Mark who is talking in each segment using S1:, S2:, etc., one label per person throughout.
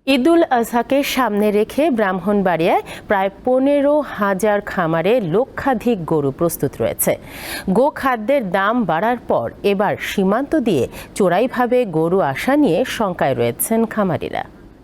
S1: ঈদুল আজহাকে সামনে রেখে ব্রাহ্মণবাড়িয়ায় প্রায় 15,000 খামারে লক্ষাধিক গরু প্রস্তুত রয়েছে। গোখাদ্যের দাম বাড়ার পর এবার সীমান্ত দিয়ে চোরাইভাবে গরু আসা নিয়ে শঙ্কায় রয়েছেন খামারিরা।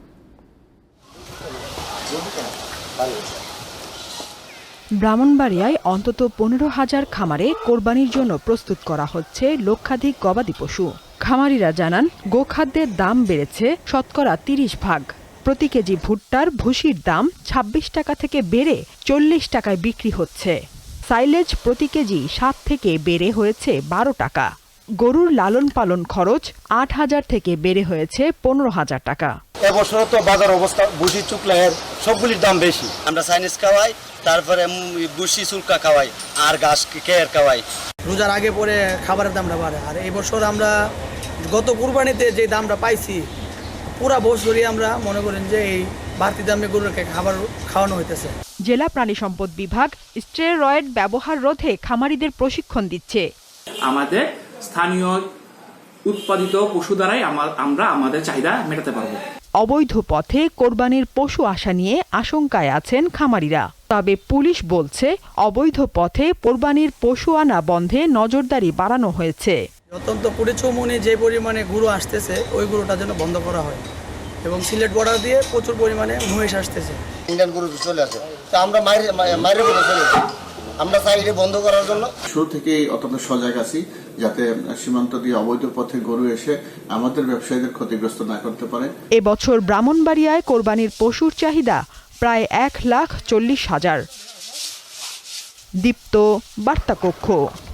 S2: ব্রাহ্মণবাড়িয়ায় অন্তত 15,000 খামারে কোরবানির জন্য প্রস্তুত করা হচ্ছে লক্ষাধিক গবাদি পশু। খামারিরা জানান, গোখাদ্যের দাম বেড়েছে শতকরা 30%। প্রতি কেজি ভুট্টার ভুসির দাম 26 টাকা থেকে বেড়ে 40 টাকায় বিক্রি হচ্ছে। সাইলেজ প্রতি কেজি 7 থেকে বেড়ে হয়েছে 12 টাকা। গরুর লালন পালন খরচ 8,000 থেকে বেড়ে হয়েছে 15,000 টাকা।
S3: এবছর তো বাজার অবস্থা ভুসি চুকলাহের সবগুলির দাম বেশি। আমরা চাইনিজ খাওয়াই, তারপরে ভুসি চুলকা খাওয়াই, আর ঘাস কেয়ার খাওয়াই।
S4: রোজার আগে পরে খাবারের দামটা বাড়ে, আর এই বছর আমরা গত কুরবানিতে যে দামটা পাইছি পুরা বছরই আমরা মনে করেন যে এই বাড়তি দামে গরুকে খাবার খাওয়ানো হইতেছে।
S2: জেলা প্রাণী সম্পদ বিভাগ স্টেরয়েড ব্যবহার রোধে খামারিদের প্রশিক্ষণ দিচ্ছে।
S5: আমাদের স্থানীয় উৎপাদিত পশু দ্বারাই আমরা আমাদের চাহিদা মেটাতে পারবো।
S2: অবৈধ পথে কোরবানির পশু আসা নিয়ে আশঙ্কায় আছেন খামারিরা। তবে পুলিশ বলছে, অবৈধ পথে কোরবানির পশু আনা বন্ধে নজরদারি বাড়ানো হয়েছে।
S4: অত্যন্ত পরিচমনি যে পরিমাণে গরু আসতেছে ওই গরুটা যেন বন্ধ করা হয়, এবং সিলেট বর্ডার দিয়ে প্রচুর পরিমাণে মহিষ আসতেছে।
S3: ইন্ডিয়ান গরু চলে আসে, তো আমরা মাইরে করে চলে যাই। আমরা চাই এটা বন্ধ করার জন্য।
S6: শুরু থেকেই অত্যন্ত সজাগ আছি, যাতে সীমান্ত দিয়ে অবৈধ পথে গরু এসে আমাদের ব্যবসায়ীদের ক্ষতিগ্রস্ত না করতে পারে।
S2: এবছর ব্রাহ্মণবাড়িয়ায় কোরবানির পশুর চাহিদা প্রায় 1,40,000। দীপ্ত, বার্তা কক্ষ।